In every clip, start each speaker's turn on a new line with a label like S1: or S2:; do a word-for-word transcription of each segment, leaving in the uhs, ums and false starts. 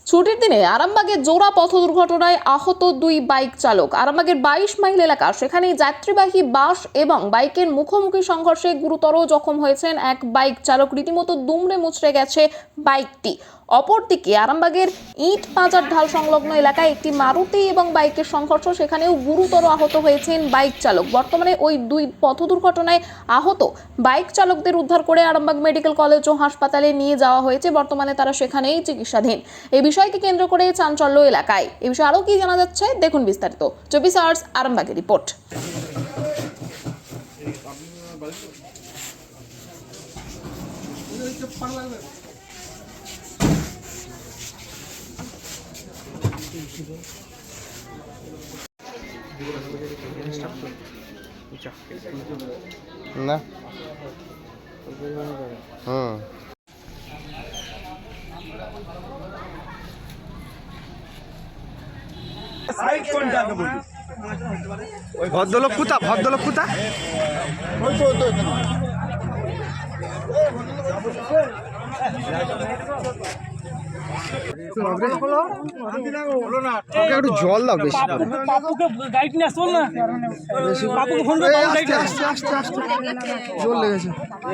S1: ছুটির দিনে আরামবাগে জোড়া পথ দুর্ঘটনায় আহত দুই বাইক চালক। আরামবাগের বাইশ মাইল এলাকা, সেখানেই যাত্রীবাহী বাস এবং বাইকের মুখোমুখি সংঘর্ষে গুরুতর জখম হয়েছেন এক বাইক চালক। রীতিমতো দুমড়ে মুচড়ে গেছে বাইকটি। অপরদিকে আরামবাগের ইট পাঁচার ঢাল সংলগ্ন এলাকায় একটি মারুতি এবং বাইকের সংঘর্ষ, সেখানেও গুরুতর আহত হয়েছেন বাইক চালক। বর্তমানে ওই দুই পথ দুর্ঘটনায় আহত বাইক চালকদের উদ্ধার করে আরামবাগ মেডিকেল কলেজ ও হাসপাতালে নিয়ে যাওয়া হয়েছে। বর্তমানে তারা সেখানেই চিকিৎসাধীন। এই বিষয়কে কেন্দ্র করে চাঞ্চল্য এলাকায়। এই বিষয়ে আরো কি জানা যাচ্ছে দেখুন বিস্তারিত। চব্বিশ আওয়ার্স আরামবাগের রিপোর্ট।
S2: না হুম
S3: ওই ভদ্রলোক কোথা ভদ্রলোক কোথা একটু জল দাও বেশি জল লেগেছে।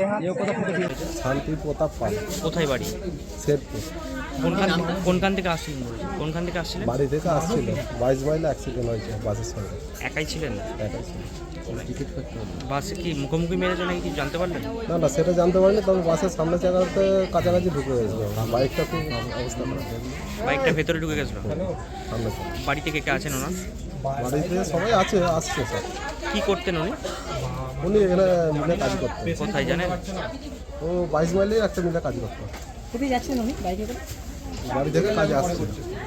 S2: শান্তি প্রতাপ পাল।
S4: কোথায় বাড়ি?
S2: শেরপুর।
S4: কোনখান কোনখান থেকে আসছিলেন বলছেন? কোনখান থেকে আসছিলেন?
S2: বাড়ি থেকে আসছিল, বাইশ মাইলে অ্যাক্সিডেন্ট হয়েছে বাসের সঙ্গে।
S4: একাই ছিলেন?
S2: একাই ছিল। টিকিট করতে হবে।
S4: বাসে কি মুখোমুখি মেরেছে নাকি কি জানতে পারলেন?
S2: না না সেটা জানতে পারিনি, তবে বাসের সামনে জায়গাতে কাছাকাছি ঢুকে গেছিল। বাইকটা খুব অবস্থা খারাপ।
S4: বাইকটা ভেতরে ঢুকে গেছিল?
S2: সামনে
S4: বাড়ি থেকে কে আছেন ওনার?
S2: বাড়িতে সবাই আছে, আসছে স্যার।
S4: কি করতেন উনি?
S2: উনি এখানে মিলে কাজ করতেন।
S4: কোথায় জানেন?
S2: ও বাইশ মাইলে একটা মিলে কাজ করতেন।
S5: কোথায় যাচ্ছেন উনি বাইকে করে?
S2: বাড়ি থেকে কাজে আসছে।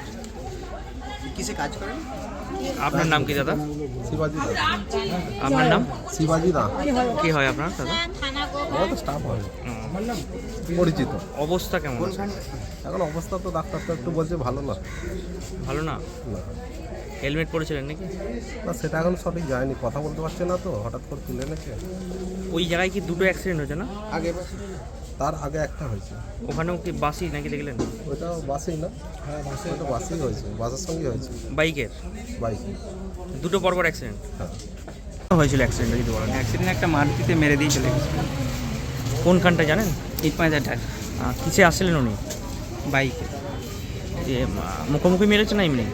S3: কিসে কাজ করেন?
S4: আপনার নাম কি দাদা?
S2: শিবাজি দা।
S4: আপনার নাম?
S2: শিবাজি দা।
S4: কি হয় আপনার দাদা?
S2: আমার তো স্টাফ হয়, পরিচিত।
S4: অবস্থা কেমন আছে?
S2: এখন অবস্থা তো ডাক্তার তো একটু বলছে ভালো না।
S4: ভালো না?
S2: না
S4: হেলমেট পরেছিলেন নাকি?
S2: না সেটা এখন সঠিক যায়নি, কথা বলতে পারছে না তো, হঠাৎ করে তুলে এনেছে।
S4: ওই জায়গায় কি দুটো অ্যাক্সিডেন্ট হয়েছে না?
S2: আগে তার আগে একটা হয়েছে।
S4: ওখানেও কি বাসই নাকি দেখলেন?
S2: ওইটা বাসেই না? হ্যাঁ বাসে, ওটা বাসেই হয়েছে, বাসের সঙ্গে হয়েছে।
S4: বাইকের
S2: বাইক
S4: দুটো পরপর অ্যাক্সিডেন্ট
S2: হ্যাঁ।
S4: হয়েছিল? অ্যাক্সিডেন্ট যদি বলেন।
S6: অ্যাক্সিডেন্ট একটা মারুতিতে মেরে দিয়ে চলে গেছে।
S4: কোনখানটা জানেন?
S6: ইট পাঁচ হাজার
S4: আহ, কিসে আসছিলেন উনি?
S6: বাইকে।
S4: যে আহ, মুখোমুখি মেরেছে না এমনি?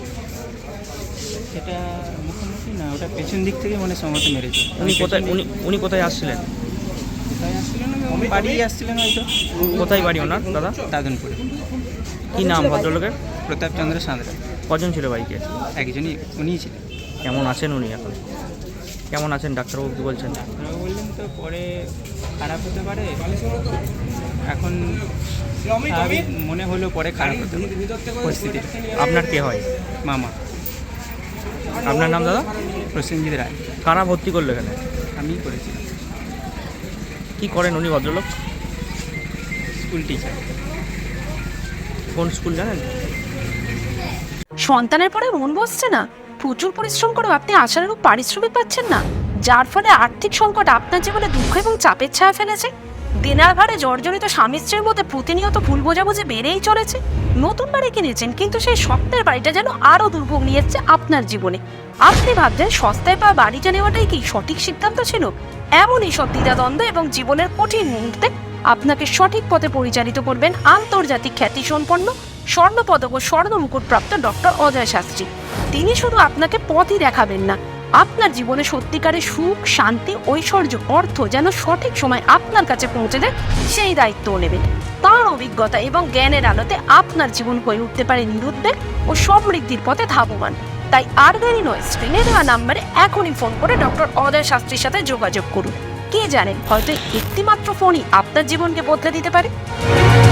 S6: সেটা মুখোমুখি না, ওটা পেছন দিক থেকে মানে সম্ভবত মেরেছে।
S4: উনি কোথায় উনি উনি কোথায় আসছিলেন?
S6: কোথায় আসছিলেন? আমি বাড়ি আসছিলেন হয়তো।
S4: কোথায় বাড়ি ওনার দাদা?
S6: দাদনপুরে।
S4: কি নাম ভদ্রলোকের?
S6: প্রতাপচন্দ্র সাঁতরা।
S4: কজন ছিল বাইকে?
S6: একজনই, উনিই ছিলেন।
S4: কেমন আছেন উনি এখন? কেমন আছেন ডাক্তারবাবু কি বলছেন?
S6: ডাক্তারবাবু বললেন তো পরে খারাপ হতে পারে, এখন স্বাভাবিক মনে হলো পরে খারাপ হতে পারে পরিস্থিতি।
S4: আপনার কে হয়?
S6: মামা।
S4: আপনার নাম দাদা?
S6: প্রসেনজিৎ রায়।
S4: কারা ভর্তি করলো এখানে?
S6: আমিই করেছিলাম।
S4: কি করেন উনি ভদ্রলোক?
S6: School teacher.
S4: কোন স্কুল জানেন?
S5: সন্তানের পরে মন বসছে না, প্রচুর পরিশ্রম করেও আপনি আশানুরূপ পারিশ্রমিক পাচ্ছেন না, যার ফলে আর্থিক সংকট আপনার জীবনে দুঃখ এবং চাপের ছায়া ফেলেছে। দেনার ভারে জর্জরিত স্বামী স্ত্রীর মধ্যে প্রতিনিয়ত ভুল বোঝাবুঝি বেড়েই চলেছে। নতুন বাড়ি কিনেছেন, কিন্তু সেই স্বপ্নের বাড়িটা যেন আরও দুর্ভোগ নিয়ে যাচ্ছে আপনার জীবনে। আপনি ভাবছেন সস্তায় পাওয়া বাড়িটা নেওয়াটাই কি সঠিক সিদ্ধান্ত ছিল? এমনই সব দ্বিধাদ্বন্দ্ব এবং জীবনের কঠিন মুহূর্তে আপনাকে সঠিক পথে পরিচালিত করবেন আন্তর্জাতিক খ্যাতিসম্পন্ন স্বর্ণপদক ও স্বর্ণ মুকুটপ্রাপ্ত ডক্টর অজয় শাস্ত্রী। তিনি শুধু আপনাকে পথই দেখাবেন না, আপনার জীবনে সত্যিকারের সুখ, শান্তি, ঐশ্বর্য, অর্থ যেন সঠিক সময় আপনার কাছে পৌঁছে দেয় সেই দায়িত্বও নেবেন। তাঁর অভিজ্ঞতা এবং জ্ঞানের আলোতে আপনার জীবন হয়ে উঠতে পারে নিরুদ্বেগ ও সমৃদ্ধির পথে ধাবমান। তাই আর দেরি নয়, স্ক্রিনে দেওয়া নাম্বারে এখনই ফোন করে ডক্টর অজয় শাস্ত্রীর সাথে যোগাযোগ করুন। কে জানেন, হয়তো একটি মাত্র ফোনই আপনার জীবনকে বদলে দিতে পারে।